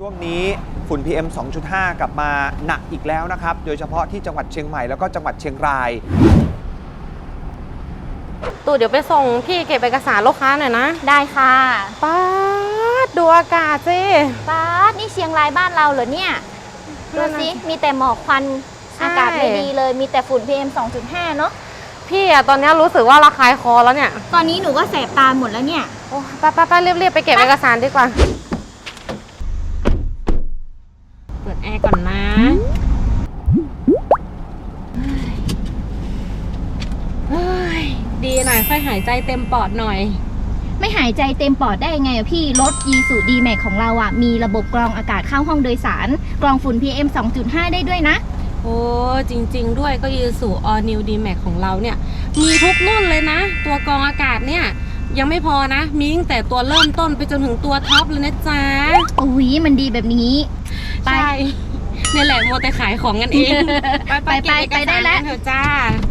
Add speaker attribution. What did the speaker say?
Speaker 1: ช่วงนี้ฝุ่น PM 2.5 กลับมาหนักอีกแล้วนะครับ โดยเฉพาะที่จังหวัดเชียงใหม่แล้วก็จังหวัดเชียงราย
Speaker 2: ตู่เดี๋ยวไปส่งพี่เก็บเอกสารลูกค้าหน่อยนะ
Speaker 3: ได้ค่ะ
Speaker 2: ป๊าดดูอากาศสิ
Speaker 3: ป๊าดนี่เชียงรายบ้านเราเหรอเนี่ยดูสิมีแต่หมอกควันอากาศไม่ดีเลยมีแต่ฝุ่น PM 2.5 เนอะ
Speaker 2: พี่อะตอนนี้รู้สึกว่าระคายคอแล้วเนี่ย
Speaker 3: ตอนนี้หนูก็แสบตาหมดแล้วเนี่ย
Speaker 2: โอ้ไปรีบไปเก็บเอกสารดีกว่าเปิดแอร์ก่อนนะเฮ้ยดีหน่อยค่อยหายใจเต็มปอดหน่อย
Speaker 3: ไม่หายใจเต็มปอดได้ยังไงอะพี่รถ Isuzu D-Max ของเราอะมีระบบกรองอากาศเข้าห้องโดยสารกรองฝุ่น PM 2.5 ได้ด้วยนะ
Speaker 2: โอ้จริงๆด้วยก็ยืสู่ All New D-Max ของเราเนี่ยมีทุกรุ่นเลยนะ ตัวกรองอากาศเนี่ยยังไม่พอนะมีตั้งแต่ตัวเริ่มต้นไปจนถึงตัวท็อปเลยนะจ๊ะ
Speaker 3: อุ้ยมันดีแบบนี้ ไป
Speaker 2: ใช่นี่แหละมัวแต่ขายของกันเอง
Speaker 3: ไป
Speaker 2: เก็บเอก
Speaker 3: ไปได้
Speaker 2: สาร
Speaker 3: แล้ว
Speaker 2: กันเถอะจ้า